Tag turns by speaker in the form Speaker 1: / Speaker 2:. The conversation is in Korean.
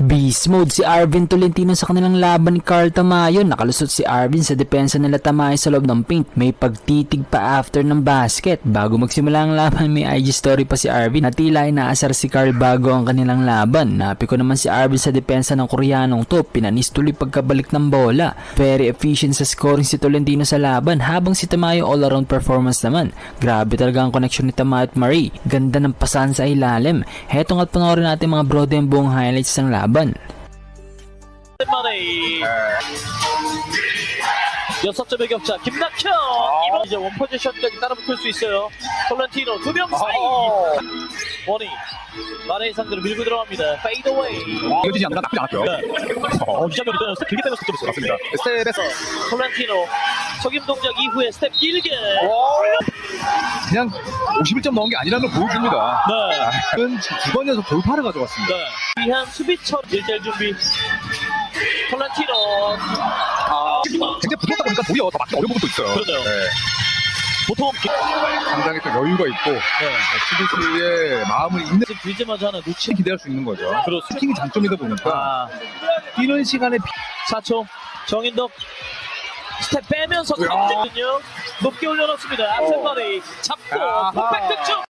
Speaker 1: Beast mode si Arvin Tolentino sa kanilang laban ni Carl Tamayo. Nakalusot si Arvin sa depensa nila Tamayo sa loob ng paint. May pagtitig pa after ng basket. Bago magsimula ang laban, may IG story pa si Arvin na tila inaasar si Carl bago ang kanilang laban. Napiko naman si Arvin sa depensa ng Koreanong to. Pinanis tuloy pagkabalik ng bola. Very efficient sa scoring si Tolentino sa laban, habang si Tamayo all-around performance naman. Grabe talaga ang connection ni Tamayo at Marie. Ganda ng pasan sa ilalim. Heto nga't panoorin natin mga brode yung buong highlights ng laban.
Speaker 2: 여섯 점의 격차 김낙현 이번 이제 원 포지션까지 따라붙을 수 있어요. 톨렌티노 두 명 사이 원이 마레이 상대로 밀고 들어갑니다. 페이드 어웨이
Speaker 3: 이어지지 않나 나쁘지 않았고요.
Speaker 2: 이장면이 떠났어. 길게 빼면서 득점했어요.
Speaker 3: 맞습니다. 스텝에서
Speaker 2: 톨렌티노 속임 동작 이후에 스텝 길게
Speaker 3: 그냥 51점 넣은 게 아니라는 걸 보여줍니다.
Speaker 2: 네.
Speaker 3: 두 번 연속 돌파를 가져갔습니다.
Speaker 2: 네. 위한 수비처럼 1대1 준비 톨렌티노
Speaker 3: 굉장히 붙었다 보니까 도리어 더 맞기 어려운 부분도 있어요.
Speaker 2: 그러네요. 보통
Speaker 3: 상당히 또 여유가 있고 수비수의 마음을 읽는
Speaker 2: 들자마자 하나 놓치
Speaker 3: 기대할 수 있는 거죠.
Speaker 2: 그렇습니다.
Speaker 3: 슈팅이 장점이다 보니까 뛰는 시간에
Speaker 2: 4초 정인덕 스텝 빼면서 던지거든요. 높게 올려놓습니다. 앞센 머리 잡고 풋백 득점